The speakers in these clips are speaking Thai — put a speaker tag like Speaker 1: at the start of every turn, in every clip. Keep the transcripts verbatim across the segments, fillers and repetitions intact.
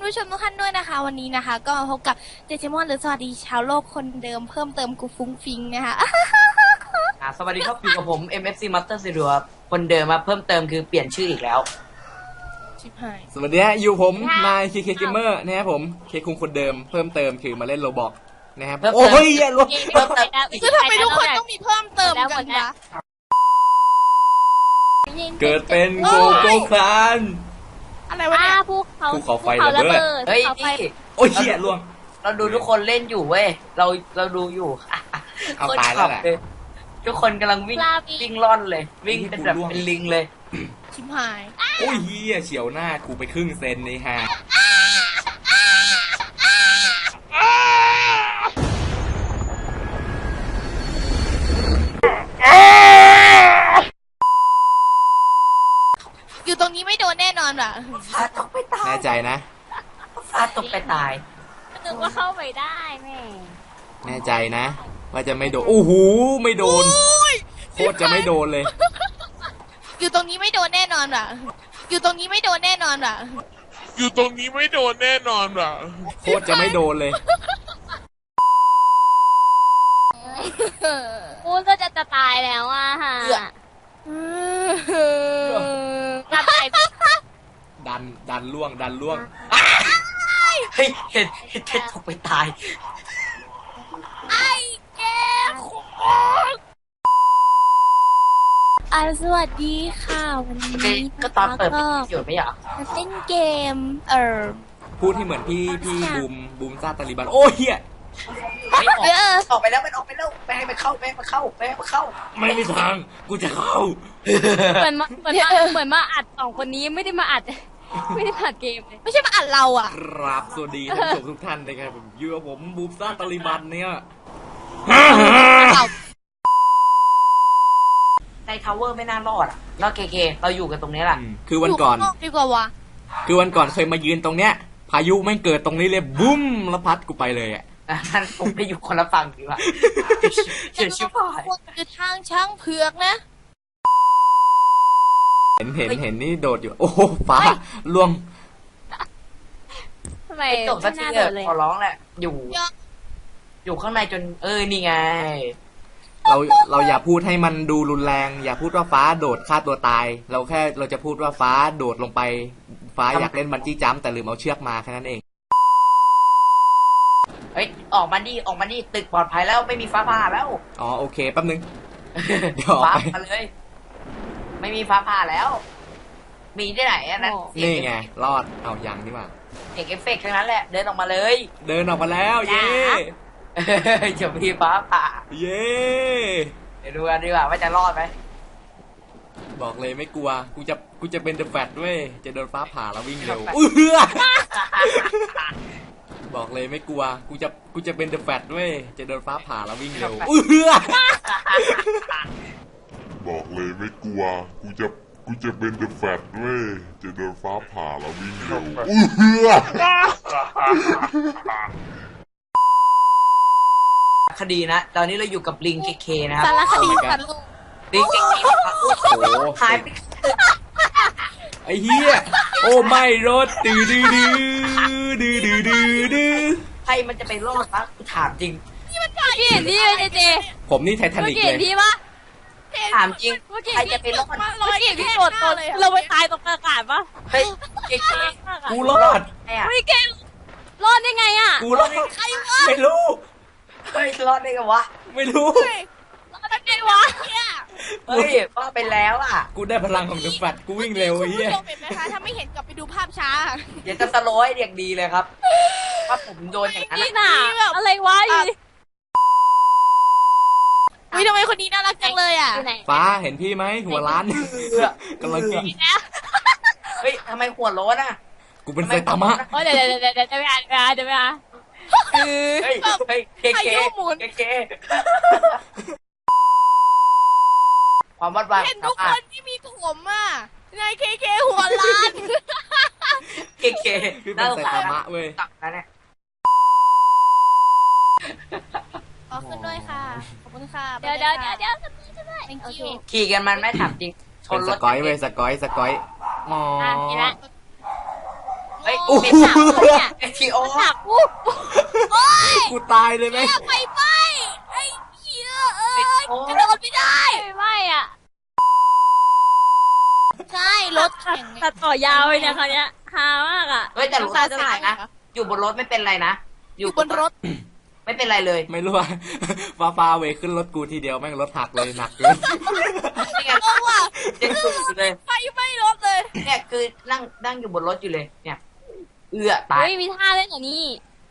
Speaker 1: ผู้ชมทุกท่านด้วยนะคะวันนี้นะคะก็มาพบกับเจเจมอนหรือสวัสดีชาวโลกคนเดิมเพิ่มเติมกูฟุ้งฟิงนะคะ
Speaker 2: อ่าสวัสดีครับอยู่กับผม เอ็ม เอฟ ซี Master Zero ครับคนเดิมมาเพิ่มเติมคือเปลี่ยนชื่ออีกแล้ว
Speaker 1: ชิบหาย
Speaker 3: สวัสดีฮะอยู่ผมนายเคเคเกมเมอร์นะครับผมเคคุงคนเดิมเพิ่มเติมคือมาเล่นโรบอกนะครับโอ้ยอย่าลวง
Speaker 2: เพิ่มเติม
Speaker 1: คือทำไมทุกคนต้องมีเพิ่มเติมกันวะ
Speaker 3: เกิดเป็นโกโก้คลาน
Speaker 1: อะไรวะเนี่ย
Speaker 4: ภูเขา
Speaker 3: ภูเขาไฟระเบิด
Speaker 2: เฮ้ย
Speaker 4: ภูขาไฟ
Speaker 2: นี่
Speaker 3: โอ้ยเหี้ยลวง
Speaker 2: เราดูทุกคนเล่นอยู่เว้ยเราเราดูอยู่
Speaker 3: เอาตายแล้วแหละ
Speaker 2: ทุกคนกำลังวิ่งวิ่งล่อนเลย วิ่งเป็นแบบเป็นลิงเลย
Speaker 1: ชิบหาย
Speaker 3: โอ้ยเหี้ยเฉียวหน้ากูไปครึ่งเซนนี่ฮะ
Speaker 1: อยู่ตรงนี้ไม่โดนแน่นอนว่ะ
Speaker 2: ฟ้าตกไปตาย
Speaker 3: แน่ใจนะ
Speaker 2: ฟ้าตกไปตาย
Speaker 4: นึกว่าเข้าไปได้แม่
Speaker 3: แน่ใจนะว่าจะไม่โดนโอ้โหไม่โดนโคตรจะไม่โดนเลย
Speaker 1: อยู่ตรงนี้ไม่โดนแน่นอนว่ะอยู่ตรงนี้ไม่โดนแน่นอนว่ะ
Speaker 5: อยู่ตรงนี้ไม่โดนแน่นอนว่ะ
Speaker 3: โคตรจะไม่โดนเลย
Speaker 4: กูก็จะจะตายแล้วอ่ะฮะจะตาย
Speaker 3: ดันดันล่วงดันล่วง
Speaker 2: เฮ้ยเห็นเห็นเท็ดตกไปตาย
Speaker 1: ไอ้แกอ่าสวัสดีค่ะวันนี้
Speaker 2: ก็ตอนเปิด
Speaker 1: ก็
Speaker 2: อยู่ไม่เหรอ
Speaker 1: มาเล่นเกมเออ
Speaker 3: พูดให้เหมือนพี่พี่บูมบูมซาตาลิบันโอ้ยเหี้ย
Speaker 2: ไม่ออก
Speaker 1: เออ
Speaker 2: ออกไปแล้วมันออกไปแล้วไปให้มันเข้าไปให้มันเข้าไปให้มันเข้า
Speaker 3: ไม่มีทางกูจะเข้า
Speaker 4: เหมือนมาเหมือนมาเหมือนมาอัดสองคนนี้ไม่ได้มาอัด ไม่ได้มาอัดเกมเลย
Speaker 1: ไม่ใช่มาอัดเราอ่ะ
Speaker 3: ครับสวัสดีท่านผู้ชมทุกท่านนะครับผมอยู่กับผมบูมซ่าตาลิบันเนี่ย
Speaker 2: ในทาวเวอร์ไม่น่ารอดอ่ะเราเก๋ๆเราอยู่กันตรงนี้แหละ
Speaker 3: คือวันก่อน
Speaker 1: ยู่ข้างดีกว่าวะ
Speaker 3: คือวันก่อนเคยมายืนตรงเนี้ย พายุไม่งเกิดตรงนี้เลยบุ้มแล้วพัดกูไปเลยอ่ะ
Speaker 2: นั่นผมไปอยู่คนละฝั่งดีกว่าเฉียดชิบหาย
Speaker 1: ควรคือทางช้างเผือกนะ
Speaker 3: เห็นเห็นเห็นนี่โดดอยู่ โอ้โหฟ้าล่วง
Speaker 4: ทำไม
Speaker 2: ไอ้จบสั
Speaker 4: ไม่
Speaker 2: กที
Speaker 4: น่า
Speaker 2: เถ
Speaker 4: โด
Speaker 2: อะ
Speaker 4: นเลย
Speaker 2: ขอร้องแหละ อยู่
Speaker 1: ยอด
Speaker 2: อยู่ข้างในจนเออนี่ไง
Speaker 3: เราเราอย่าพูดให้มันดูรุนแรง อย่าพูดว่าฟ้าโดดฆ่าตัวตาย เราแค่เราจะพูดว่าฟ้าโดดลงไป ฟ้าอยากเล่นบันจี้จัมป์แต่ลืมเอาเชือกมาแค่นั้นเอง
Speaker 2: เฮ้ยออกมาดิออกมาดิตึกปลอดภัยแล้วไม่มีฟ้าผ่าแล้ว
Speaker 3: อ๋อโอเคแป๊บนึง เดี๋ยวออก
Speaker 2: ฟ้า
Speaker 3: ไป
Speaker 2: มาเลย ไม่มีฟ้าผ่าแล้ว มีที่ไหนอะนั่น
Speaker 3: นี่ไงรอดเอายังนี่หว่า
Speaker 2: เอกเอฟเฟกต์ทั้งนั้นแหละเดินออกมาเลย
Speaker 3: เดินออกมาแล้วเย้
Speaker 2: จะมีฟ้าผ่า
Speaker 3: เย้
Speaker 2: เดี๋ยวดูกันดีกว่าว่าจะรอดไหม
Speaker 3: บอกเลยไม่กลัว กูจะ กูจะเป็นเดอะแฟตด้วย จะโดนฟ้าผ่าแล้ววิ่งเร็วอื้อเหือบอกเลยไม่กลัว กูจะ กูจะเป็นเดอะแฟตด้วย จะโดนฟ้าผ่าแล้ววิ่งเร็วอื้อเหือ
Speaker 5: บอกเลยไม่กลัว กูจะ กูจะเป็นเดอะแฟตเว้ย จะโดนฟ้าผ่าแล้ววิ่งเร็วอื้อเหือ
Speaker 2: คดีนะ ตอนนี้เราอยู่กับลิงเคเคนะครับ
Speaker 1: สารคดีสัตว์โลก
Speaker 2: ลิงเคเค
Speaker 3: โอ้โห
Speaker 2: หายไป
Speaker 3: ไอ้เหี้ย โอ้ไม่รถตื้อดื้อดื้อดื้อดื้อดื้อดื้อ
Speaker 2: ใครมันจะไปรอดวะกูถามจริง
Speaker 4: พี่เห็นพี่เจเจ
Speaker 3: ผมนี่ไททา
Speaker 4: เมื่
Speaker 3: นิ
Speaker 4: อก กี้
Speaker 3: เล
Speaker 4: เห็น
Speaker 3: ย
Speaker 4: พี่ปะ
Speaker 2: ถามจริง
Speaker 4: เมื่อกี้
Speaker 2: ใครจะไปรอด
Speaker 4: เมื่อกี้พี่โดดตนเราไปตายตรงอากาศปะ
Speaker 2: เฮ้ยเคเค
Speaker 3: กูรอด
Speaker 2: เนี่ย
Speaker 4: เฮ้ยเก่งรอดได้ไงอ่ะ
Speaker 3: กูรอดไม่รู้
Speaker 2: เฮ้ยรอดได้ไงวะ
Speaker 3: ไม่รู้
Speaker 4: รอดได้ไงวะ
Speaker 2: เฮ้ยว่าไปแล้วอ่ะ
Speaker 3: กูได้พลังของเดอะแฟตกูวิ่งเร็วไอ้เหี้ย
Speaker 1: คุณผู้ชมเห็นไหมคะถ้าไม่เห็นกลับไปดูภาพช้า
Speaker 2: เดี๋ยวจะสโลว์ให้เด็กดีเลยครับว่าผมโดนอย่างนั้น
Speaker 4: นี่
Speaker 2: อะ
Speaker 4: น่ะอะไรวะอยู่
Speaker 1: วิทำไมคนนี้น่ารักจังเลยอ่ะ
Speaker 4: ไหน
Speaker 3: ฟ้าเห็นพี่ไหมหัวล้านกำลังกิน
Speaker 2: เฮ้ยทำไมหัวโล้นอ่ะ
Speaker 3: กูเป็นไซตามะ
Speaker 4: โอ้เดี๋ยวเดี๋ยวเดี๋ยวเดี๋ยวจะไปอ่านเดี๋ยวไปอ่าน
Speaker 2: เฮ้ยเฮ้ยเคเค
Speaker 1: พายุหมุน
Speaker 2: เคเคความวัดวาย
Speaker 1: เห็นทุกคนที่มีผมอ่ะนายเคเคหัวล้าน
Speaker 2: เคเค
Speaker 3: พี่เป็นไซตามะเว้ย
Speaker 2: ตักนะเนี่ย
Speaker 1: ขอขึ้นด้วยค่ะ ขอบคุณค่ะ
Speaker 4: เดี๋ยวเดี๋ยวเดี๋ยวเดี๋ยวจะมีจะได้
Speaker 1: thank
Speaker 4: โอเค
Speaker 1: you
Speaker 2: ขี่กันมันไม่ถามจริงช
Speaker 3: เป็น
Speaker 2: น
Speaker 3: ส
Speaker 2: รถ
Speaker 3: กอยเว้ยสกอยสกอยอ๋อ
Speaker 4: อ่ะนี่ละ
Speaker 1: ง
Speaker 2: เฮ้ย
Speaker 3: โอ้โห
Speaker 2: เป็นหนักเนี่ยเอทีโอ
Speaker 4: หนักปุ๊บ
Speaker 3: กูตายเลยไหม
Speaker 1: ไปไปไอ้เหี้ยเอ้ยกระโดดไม่ได้
Speaker 4: ไม่อ่ะ
Speaker 1: ใช่รถแข่ง
Speaker 4: ตัดต่อยาวเลยเนี่ยคราวเนี้ยฮามากอ่ะ
Speaker 2: เฮ้ยแต่รถ
Speaker 1: ตา
Speaker 2: จะ
Speaker 1: สา
Speaker 2: ถ่าย ยนะ อยู่บนรถไม่เป็นไรนะ
Speaker 1: อยู่บนรถ
Speaker 2: ไม่เป็นไรเลย
Speaker 3: ไม่รู้ว่า ฟ้าฟ้าเวขึ้นรถกูทีเดียวแม่งรถหักเลยหนักเลย
Speaker 2: นี่ไง
Speaker 1: เพราะว่า
Speaker 2: เด็กสุดอยู่เลย
Speaker 1: ไฟไหม้รถเลย
Speaker 2: เนี่ยคือนั่งนั่งอยู่บนรถอยู่เลย เนี่ย เอื้อตาย
Speaker 4: เฮ้ยมีท่าเล่นอย่างนี้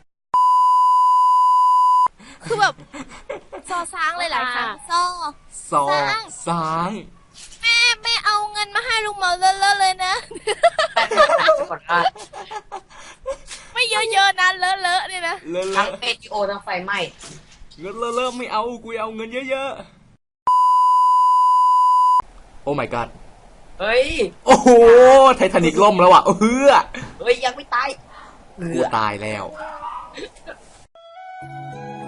Speaker 1: คือแบบซอซ้างเลยหลายครั้งซอ
Speaker 3: สองสาง
Speaker 1: แม่ไม่เอาเงินมาให้ลุงเหมาเลอะๆเลยนะ
Speaker 2: แต่เป็นหนักก่อนว่า
Speaker 1: ไม่เยอะๆนะเลอะๆเนี่ยนะ
Speaker 3: เลิศ
Speaker 2: ทั้งเอทีโอทั้งไฟไหม้
Speaker 3: เงินเลิศไม่เอากูเอาเงินเยอะๆโอ้ my god
Speaker 2: เฮ้ย
Speaker 3: โอ้โหไททานิกล่มแล้วอ่ะเฮือ
Speaker 2: เฮ้ยยังไม่ตาย
Speaker 3: กูตายแล้ว